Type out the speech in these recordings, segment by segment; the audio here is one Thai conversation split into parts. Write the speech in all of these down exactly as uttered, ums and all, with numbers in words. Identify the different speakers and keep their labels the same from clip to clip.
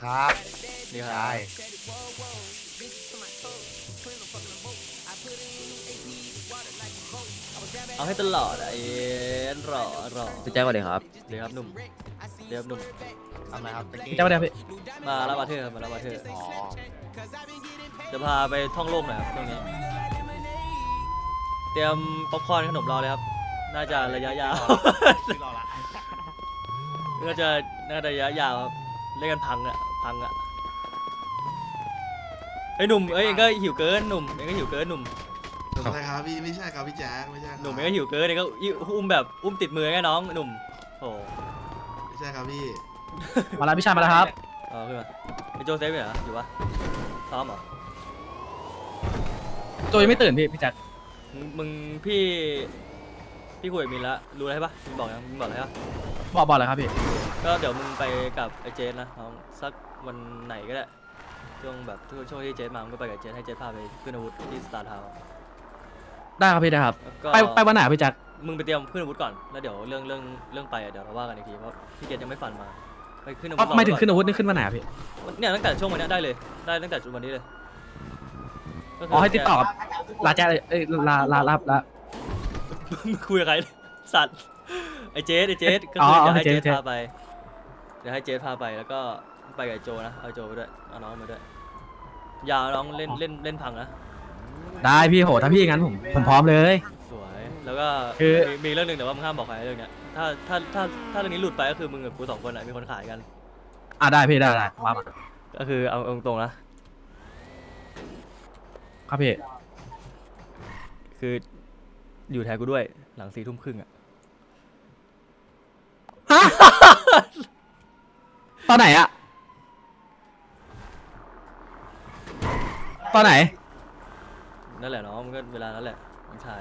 Speaker 1: ครับ
Speaker 2: ดีครั
Speaker 1: ใช่
Speaker 2: บเอาให้ตลอดอะไอ้รอรอ
Speaker 3: พี่แจ๊คสวัสดีครับ
Speaker 2: เดี๋ยวครับหนุ่มเดี๋ยวครับหนุ่ม
Speaker 1: ทำอะไรครับตะกี้
Speaker 3: พี่แจ๊คสวัสดีครับพี่
Speaker 2: มารับอาเธอร์มารับอาเธอร์
Speaker 1: อ๋อ
Speaker 2: จะพาไปท่องโลกหน่อยครับตรงนี้ เตรียมป๊อปคอร์นขนมรอเลยครับ น่าจะระยะยาว
Speaker 1: ไม่รอละ
Speaker 2: น่าจะน่าจะระยะยาวครับเล่นกันพังอะพังอะไอ้ยหนุ่มเอ้ยเองก็หิวเกินหนุ่มเองก็หิวเกินหนุ่ม
Speaker 4: ใช่ครับพี่ไม่ใช่ครับพี่แจ๊คไม่ใช่ครับ
Speaker 2: หนุ่มเองก็หิวเกินเองก็อุ้มแบบอุ้มติดมือไงน้องหนุ่มโอ้
Speaker 4: ไม่ใช่ครับพี่
Speaker 3: มาแล้วพี่ชายมาแล้วครับ
Speaker 2: เอาขึ้นมาไอ้โจเซฟอยู่เหรออยู่ปะซ้อมเหรอ
Speaker 3: โจยังไม่ตื่นพี่พี่แจ๊ค
Speaker 2: มึงมึงพี่พี่คุยกับมินแล้วรู้อะไรปะมึงบอกยังมึงบอกอะไรปะ
Speaker 3: บอกบอกเลยครับพี่
Speaker 2: ก็เดี๋ยวมึงไปกับไอ้เจนนะน้องสักวันไหนก็ได้ช่วงแบบช่วงที่เจนมามึงก็ไปกับเจนให้เจนพาไปขึ้นอาวุธที่สตาร์ทาวน์
Speaker 3: ได้ครับพี่ได้ครับ
Speaker 2: แล้วก็
Speaker 3: ไปไปวันไหนพี่แจ๊ค
Speaker 2: มึงไปเตรียมขึ้นอาวุธก่อนแล้วเดี๋ยวเรื่องเรื่องเรื่องไปอะเดี๋ยวเราว่ากันอีกทีเพราะพี่เจนยังไม่ฟันมาไปขึ้นอาวุธ
Speaker 3: ไม่ถึง
Speaker 2: รอ
Speaker 3: ขึ้นอาวุธนี่ขึ้นวันไหนอะพี่
Speaker 2: เนี่ยตั้งแต่ช่วงวันเนี้ยได้เลยได้ตั้งแต่จุดวันนี้เลยก็คื
Speaker 3: อ๋อให้ติดต่อกับลาแจ๊คเลยเอ้ยลาลาลาลา
Speaker 2: มึงคุยกับใครสัตว์ไอ้เจสไอ้เจสก็
Speaker 3: อ๋อ
Speaker 2: คือเดี๋ยวให้
Speaker 3: เจ
Speaker 2: เจ
Speaker 3: ส
Speaker 2: ส
Speaker 3: เจส
Speaker 2: พาไปเดี๋ยวให้เจสพาไปแล้วก็ไปกับไอ้โจนะเอาไอ้โจไปด้วยเอาน้องมาด้วยอยาวน้องเล่นเล่นเล่นพังนะ
Speaker 3: ได้พี่โหถ้าพี่อย่างนั้นผมผมพร้อมเลย
Speaker 2: สวยแล้วก็
Speaker 3: คือ
Speaker 2: มีมีเรื่องหนึ่งแต่ว่ามึงห้ามบอกใครเรื่องเนี้ยถ้าถ้าถ้าถ้าเรื่องนี้หลุดไปก็คือมึงกับกูสองคนอะมีคนขายกัน
Speaker 3: อ่ะได้พี่ได้ได้ว่ามา
Speaker 2: ก็คือเอาเอาตรงๆนะครับ
Speaker 3: พี่
Speaker 2: คืออยู่แทนกูด้วยหลังสี่ทุ่มครึ่งอะ
Speaker 3: ฮะตอนไหนอะตอนไหน
Speaker 2: นั่นแหละน้องมันก็เวลานั้นแหละน้องชาย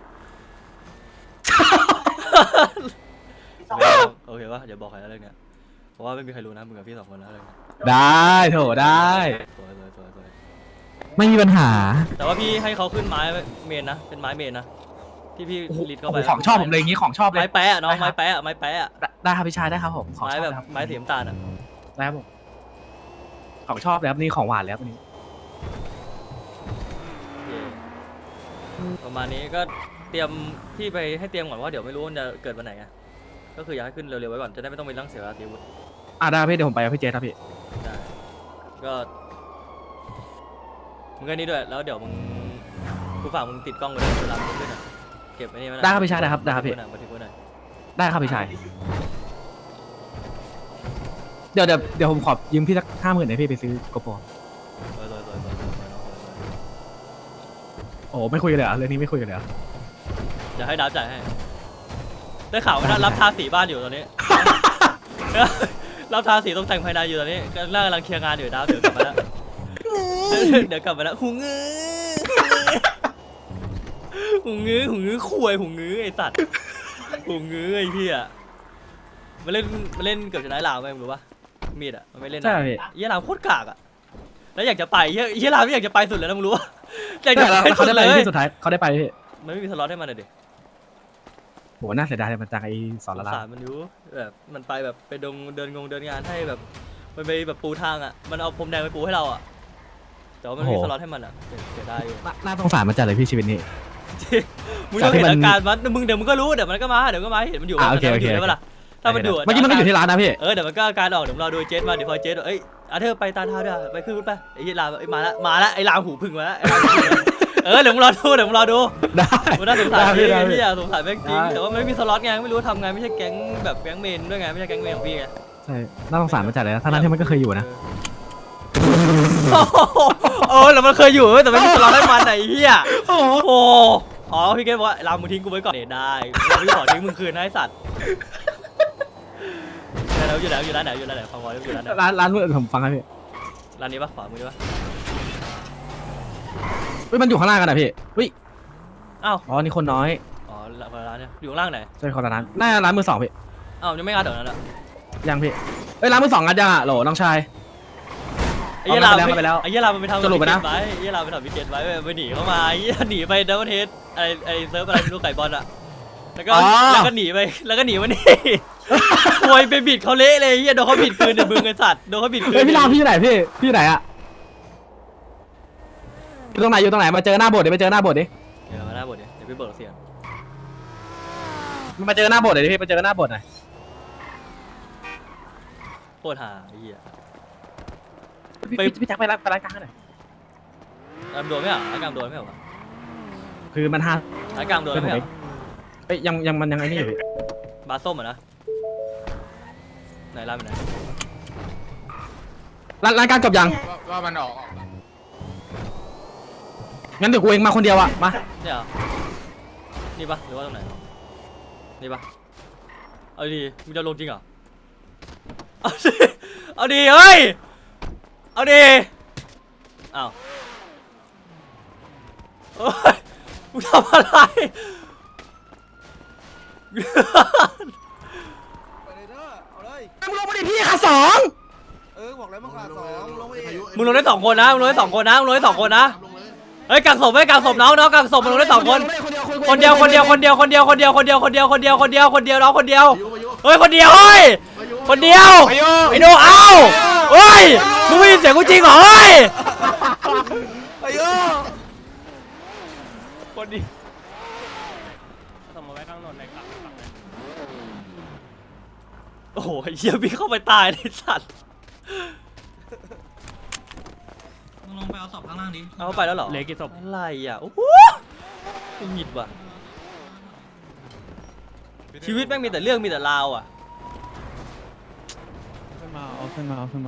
Speaker 2: โอเคปะอย่าบอกใครนะเรื่องเนี้ยเพราะว่าไม่มีใครรู้นะมึงกับพี่สองคนนะเรื่องเนี้ย
Speaker 3: ได้โถได้
Speaker 2: สวยสวยสวยสวย
Speaker 3: ไม่มีปัญหา
Speaker 2: แต่ว่าพี่ให้เขาขึ้นไม้เมนนะเป็นไม้เมนนะที่พี่
Speaker 3: โอ้โห
Speaker 2: ลิดเข้าไป
Speaker 3: ของชอบผมเลยอย่างงี้ของชอบเลย
Speaker 2: ไม้แปะอะน้อง
Speaker 3: ได้ครับ
Speaker 2: ไม้แปะอะไม้แปะอะ
Speaker 3: ได้ได้ครับพี่ชายได้ครับผมของ
Speaker 2: ไม้
Speaker 3: ชอบ
Speaker 2: แบบ
Speaker 3: เลยครับ
Speaker 2: ไม้สีน้ำตาลอะ
Speaker 3: ได้ครับผมของชอบเลยครับนี่ของหวานแล้วนี่
Speaker 2: โอเคประมาณนี้ก็เตรียมพี่ไปให้เตรียมก่อนว่าเดี๋ยวไม่รู้มันจะเกิดวันไหนไงก็คืออยากให้ขึ้นเร็วๆไว้ก่อนจะได้ไม่ต้องไปนั่งเสียเวลาตีวุฒิ
Speaker 3: อ่ะได้พี่เดี๋ยวผมไปกับพี่เจครับพี่
Speaker 2: ได้ก็มึงก็นี่ด้วยแล้วเดี๋ยวมึงกูฝากมึงติดกล้องไว้ด้วยเวลามึงขึ้นอะเก็บไว้นี่ไว้หน่อย
Speaker 3: ได้ครับพี่ชายได้ครับได้ครับพี่
Speaker 2: บันทึกไว้หน่อย
Speaker 3: ได้ครับพี่ชายเดี๋ยวเดี๋ยวเดี๋ยวผมขอยืมพี่สักห้าหมื่นให้พี่ไปซื้อโกโปร
Speaker 2: บันทึกไว้หน่อยสวยๆสวยๆสวยๆน้องสวย
Speaker 3: โอ้ไม่คุยกันเลยเหรอเรื่องนี้ไม่คุยกันเลยเหรอ
Speaker 2: ๆเดี๋ยวให้ดาวจ่ายให้ได้ข่าวว่ารับทาสีบ้านอยู่ตอนนี้ รับทาสีตรงแต่งภายในอยู่ตอนนี้กำลังกำลังเคลียร์งานอยู่ดาวเดี๋ยวกลับมาแล้ว เดี๋ยวกลับมาแล้วหูงื้อหูงื้อหูงื้อคุยหูงื้อไอสัตว์หูงื้อไอพี่อะมาเล่นมาเล่นเกือบจะได้ลาวไหมมึงรู้ปะมีดอะมันไม่เล่น
Speaker 3: ใช่
Speaker 2: อะ
Speaker 3: พี่
Speaker 2: เยี่ยลาวโคตรกากอะแล้วอยากจะไปเยี่ยเยี่ยลาวไม่อยากจะไปสุดเลยนะมึงรู้ปะอยากจะ
Speaker 3: แล้ว
Speaker 2: ไป
Speaker 3: เขา
Speaker 2: สุด
Speaker 3: ได้
Speaker 2: เล
Speaker 3: ไป
Speaker 2: ย
Speaker 3: ที่สุดท้ายเขาได้ไปพี่
Speaker 2: มันไม่มีสล็อตให้มันเลยดิ
Speaker 3: โหน่าเสียดายเลยมันจากไอ้สอนละลา
Speaker 2: สารมันอยู่แบบมันไปแบบไปดงเดินงงเดินงานให้แบบมันไปแบบปูทางอะมันเอาพรมแดงไปปูให้เราอะแต่ว่ามันไม่มีสล็อตให้มันอะเสียเสียดายอยู่
Speaker 3: น่าน่าสงสารมันจัดเลยพี่ชีวิตนี้
Speaker 2: มึงต้องเห็นอาการมันมึงเดี๋ยวมึงก็รู้เดี๋ยวมันก็มาเดี๋ยวก็มาเห็นมันอยู่
Speaker 3: อ่ะโอเค
Speaker 2: มันอยู่
Speaker 3: โอเค
Speaker 2: ได้ปะล่ะถ้ามันอยู่
Speaker 3: เมื่อกี้มันก็อยู่ที่ร้านนะพี่
Speaker 2: เออเดี๋ยวมันก็อาการออกเดี๋ยวรอดูเจสมาเดี๋ยวพอเจสเอ้ยอาเธอไปตาเท้าด้วยไปขึ้นรถไปไอ้ยี่ลาไอ้มาละมาละไอ้ลามหูพึ่งมาละไอ้ลามหูพึ่งเออเดี๋ยวมึงรอดูเดี๋ยวมึงรอดู
Speaker 3: ได้
Speaker 2: มันน่าสงสาร
Speaker 3: ได้
Speaker 2: พี่
Speaker 3: ได้
Speaker 2: พี่อยากสงสารแม่งจริง
Speaker 3: ได้
Speaker 2: แต่ว่ามันไม่มีสล็อตไงไม่รู้ทำไงไม่ใช่แก๊งแบบแก๊งเมนด้วยไงไม่ใช่แก๊งเมนของพี่ไง
Speaker 3: ใช่น่าสงสารมันจัดเลยนะทั้งนั้นที่มันก็เคยอยู่นะ
Speaker 2: เออแล้วมันเคยอยู่เว้ยแต่ไม่มีสล็อตให้มันไหนเฮีย
Speaker 3: โอ้โห
Speaker 2: โอ้อ๋อพี่เกดบอกว่าลามมึงทิ้งกูไว้ก่อนเนี่ยได้พี่ขอทิ้งมึงคืนนะไอ้สัตว์แล้วอยู่ไหนอยู่ร้านไหนอยู่ร้านไหนฟังวอยอยู่ร้านไหน
Speaker 3: ร้านร้านเมื่อผมฟังครับพี่
Speaker 2: ร้านนี้ปะขวามือปะ
Speaker 3: เฮ้ยมันอยู่ข้างล่างกันนะพี่เฮ้ย
Speaker 2: อ้าว
Speaker 3: อ๋อนี่คนน้อย
Speaker 2: อ๋อร้านเนี่ยอยู่ข้างล่างไหน
Speaker 3: ใช่คนละร้านน่าจะร้านมือสองพี่
Speaker 2: อ้าวยังไม่งัดเดี๋ยวนั้นอ่ะ
Speaker 3: ยังพี่เอ้ยร้านมือสองงัดยังอ่ะโหลน้องชาย
Speaker 2: ไอ้เหี้ยลาม
Speaker 3: เอาไปแล้ว
Speaker 2: ไอ้เหี้ยลามมันไปทำ
Speaker 3: สรุปไปนะ
Speaker 2: ไว้ไอ้เหี้ยลามไปทำวิกเก็ตไว้ไปหนีเข้ามาไอ้เหี้ยหนีไปดับเบิลเฮดไอ้ไอ้เซิร์ฟอะไรไม่รู้ไก่บอลอ่ะแล้วก็แล้วก็หนีไปแล้วก็หนีมานี่ควยไปบิดเขาเละเลยเฮียโดนเขาบิดคืนเดี๋ยวมึงไอ้สัตว์โดนเขาบิดคืน
Speaker 3: เฮ้ยพี่รามพี่อยู่ไหนพี่พี่อยู่ไหนอะอยู่ตรงไหนอยู่ตรงไหนมาเจอหน้าโบสถ์ดิมาเจอหน้าโบสถ์ดิ
Speaker 2: เดี๋ยวมาหน้าบทเดี๋ยวเดี๋ยวไปเบิกเสียง
Speaker 3: มาเจอหน้าโบสถ์หน่อยดิพี่มาเจอหน้าโบสถ์หน่อย
Speaker 2: โคตรหาไอ้เหี้ย
Speaker 3: พี่
Speaker 2: ไป
Speaker 3: พี่พี่แจ็คไปร้านไปร้านกลางหน่อย
Speaker 2: กามโดนไม่เหรอร้านกามโดนไม่เหรอวะ
Speaker 3: คือมันห้า
Speaker 2: ร้านกามโดนไม่เหรอ
Speaker 3: เอ้ยยังยังมันยังไอ้นี่อยู่พี่
Speaker 2: บาสส้มอ่ะนะไหนร้านเป็นไหน
Speaker 3: ร้านร้านกลางจบยัง
Speaker 5: ว่าว่ามันออกออก
Speaker 3: งั้นเดี๋ยวกูเองมาคนเดียวอะมา
Speaker 2: เนี่ยเหรอนี่ปะหรือว่าตรงไหนนี่ปะเอาดีมึงจะลงจริงเหรอเอาดิเอาดีเฮ้ยเอาดีอ้าวโอ้ยมึงทำอะไร
Speaker 6: ไปเลยเด้อเอาเลย
Speaker 3: มึงลงมาดิพี่ขาสอง
Speaker 6: เออบอกแล้วมึงขาดสองลงไปเอง
Speaker 2: มึงลงได้สองคนนะมึงลงได้สองคนนะมึงลงได้สองคนนะ
Speaker 4: ลงเลย
Speaker 2: เฮ้ยกักศพเฮ้ยกักศพน้องน้องกักศพมึงลงได้สองคน คนเดียวคนเดียวคนเดียวคนเดียวคนเดียวคนเดียวคนเดียวคนเดียวคนเดียวคนเดียวน้องคนเดียว
Speaker 4: พายุพายุ
Speaker 2: เฮ้ยคนเดียวเฮ้ย
Speaker 4: พายุ
Speaker 2: คนเดียวไอ้โนเอ้าเฮ้ยมึงไม่ยินเสียงกูจริงเหรอเฮ้ย
Speaker 6: ไอ้โย่
Speaker 2: คนดี
Speaker 7: สมมติไว้ข้างนนในกลับฝั่งนั้น
Speaker 2: โอ้โหเหี้ยพี่เข้าไปตายในสัตว์
Speaker 8: ลงไปเอาศพข้างล่างดิ
Speaker 2: เอาเข้าไปแล้วเหรอ
Speaker 7: เหลือกี่ศพ
Speaker 2: อะไรอ่ะโอ้โหกูหงิดว่ะชีวิตแม่งมีแต่เรื่องมีแต่ราวอ่ะ
Speaker 3: ขึ้นมาเอาขึ้นมาเอาขึ้นมา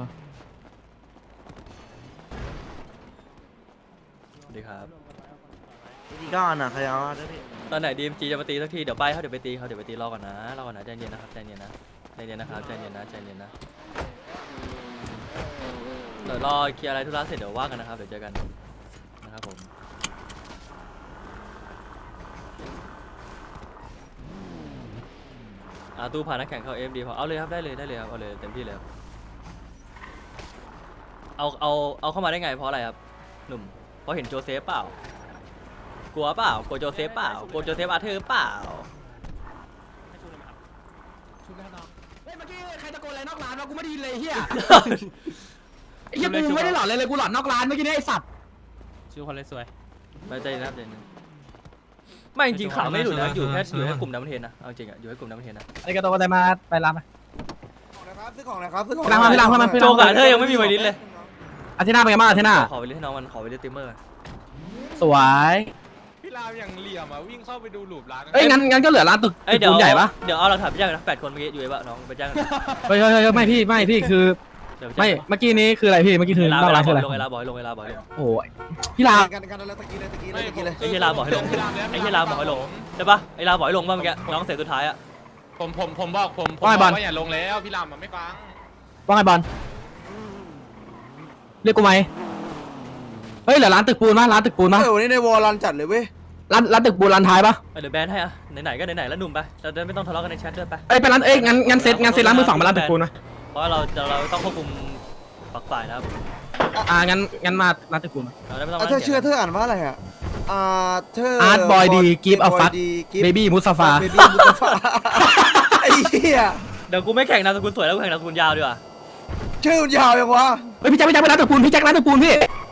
Speaker 2: สวัสดีครับ
Speaker 6: พี่ก้อนอ่ะใครเอาได้พี่
Speaker 2: ตอนไหนดีเอ็มจีจะมาตีสักทีเดี๋ยวไปเขาเดี๋ยวไปตีเขาเดี๋ยวไปตีรอก่อนนะรอก่อนนะใจเย็นนะครับใจเย็นนะใจเย็นนะครับใจเย็นนะใจเย็นนะเดี๋ยวรอเคลียร์อะไรธุระเสร็จเดี๋ยวว่ากันนะครับเดี๋ยวเจอกันนะครับผมอ่าตู้ผ่านนักแข่งเข้าเอฟดีพอเอาเลยครับได้เลยได้เลยครับเอาเลยเต็มที่เลยครับเอาเอาเอาเข้ามาได้ไงเพราะอะไรครับหนุ่มเพราะเห็นโจเซฟเปล่ากลัวเปล่ากลัวโจเซฟเปล่ากลัวโจเซฟอาร์เธอร์เปล่า
Speaker 3: เฮ้ยเมื่อกี้ใครตะโกนอะไรนอกร้านวะกูไม่ได้ยินเลยเฮียไอ้เฮียกูไม่ได้หลอนเลยเลยกูหลอนนอกร้านเมื่อกี้เนี่ยไอ้สัตว์
Speaker 7: ชื่อคนเลยสวย
Speaker 2: ไม่ใจนะครับใจเย็นไม่จริงๆข่าวไม่หลุดนะอยู่แค่อยู่แค่กลุ่มน้ำเทนนะเอาจริงอะอยู่แค่กลุ่มน้ำเทนนะ
Speaker 3: ไอ้กระโดดอะไรมาไปร้านไป
Speaker 6: นะครับซื้อของนะครับซื้อของ
Speaker 3: พี่รามพี่รามเข้ามาพี่
Speaker 2: โจ
Speaker 3: ราม
Speaker 2: กับเธอยังไม่มีไวริสเลย
Speaker 3: อาทิตย์หน้าเป็นไงบ้างอาทิตย์หน้า
Speaker 2: ขอไวริสให้น้องมันขอไวริสติมเมอร์
Speaker 3: สวย
Speaker 5: พี่รามอย่างเหลี่ยมอ่ะวิ่งเข้าไปดูหลุมร้าน
Speaker 3: เอ้ยงั้นงั้นก็เหลือร้านตึก
Speaker 2: เอ้ย
Speaker 3: ตึก
Speaker 2: เดี๋ยว
Speaker 3: ปูนใหญ่ปะ
Speaker 2: เดี๋ยวเอาหลักฐานไปแจ้งกันนะแปดคนเมื่อกี้อยู่ไอ้บ้าน้องไปแจ้งกัน
Speaker 3: เฮ้ยเฮ้ยเฮ้ยไม่พี่ไม่พี่คือ
Speaker 2: เดี๋ยวปแจ้ง
Speaker 3: ไม่เมื่อกี้นี้คืออะไรพี่เมื่อกี้คือ
Speaker 2: เวลาน
Speaker 3: อกร้านคืออะไร
Speaker 2: ลงเวลาบอกให้ลงเวลาบอกให้ลง
Speaker 3: โอ้ยพี่ลา
Speaker 6: กันกันแล้วตะกี้เลยตะกี้เลยตะกี้เลย
Speaker 2: ไอ้เฮียลาบอกให้ลงไอ้เฮียลาบอกให้ลงใช่ปะไอ้ลาบอกให้ลงป่ะเมื่อกี้น้องเสร็จสุดท้ายอะ
Speaker 5: ผมผมผมบอกผมผมบอกว่าอย่าลงแล้วพี่รามมันไม่ฟัง
Speaker 3: ว่าไงบอลเรียกกูไหมเฮ้ยเหลือร้านตึกปูนมั้ยร้านตึกปูนมั้ย
Speaker 6: เออวันนี้ในวอลลันจัดเลยเว้ย
Speaker 3: ร้านร้านตึกปูนร้านท้ายปะ
Speaker 2: เดี๋ยวแบนให้อะไหนๆก็ไหนๆแล้วหนุ่มไปเราจะไม่ต้องทะเลาะกันในแชทด้วยไป
Speaker 3: เอ้ยไปร้านเอ้ยงั้นงั้นเซ็ตงั้นเซ็ตร้านมือสองมาร้านตึกปูนนะ
Speaker 2: เพราะว่าเราจะเราต้องควบคุมฝักฝ่ายนะครับ
Speaker 3: อ่างั้นงั้นมาร้านตึกปูน
Speaker 2: เราได้ไม่ต้อง
Speaker 6: อ่ะเธอเชื่อเธออ่านว่าอะไรอ่ะอ่าเธอ
Speaker 3: อาร์ตบอยดีกิฟต์อัลฟัต
Speaker 6: กิฟ
Speaker 3: เบบี้มุสฟา
Speaker 6: เบบี้มุสฟาไอ้เหี้ย
Speaker 2: เดี๋ยวกูไม่แข่งนามสกุลสวยแล้วกูแข่งนามสกุลยาวดีกว่า
Speaker 6: ชื่อมันยาวยังวะ
Speaker 3: เฮ้ยพี่แจ็คพี่แจ็คไปร้านตึกปูนพี่แจ็คร้านตึกปูนพี่
Speaker 6: โ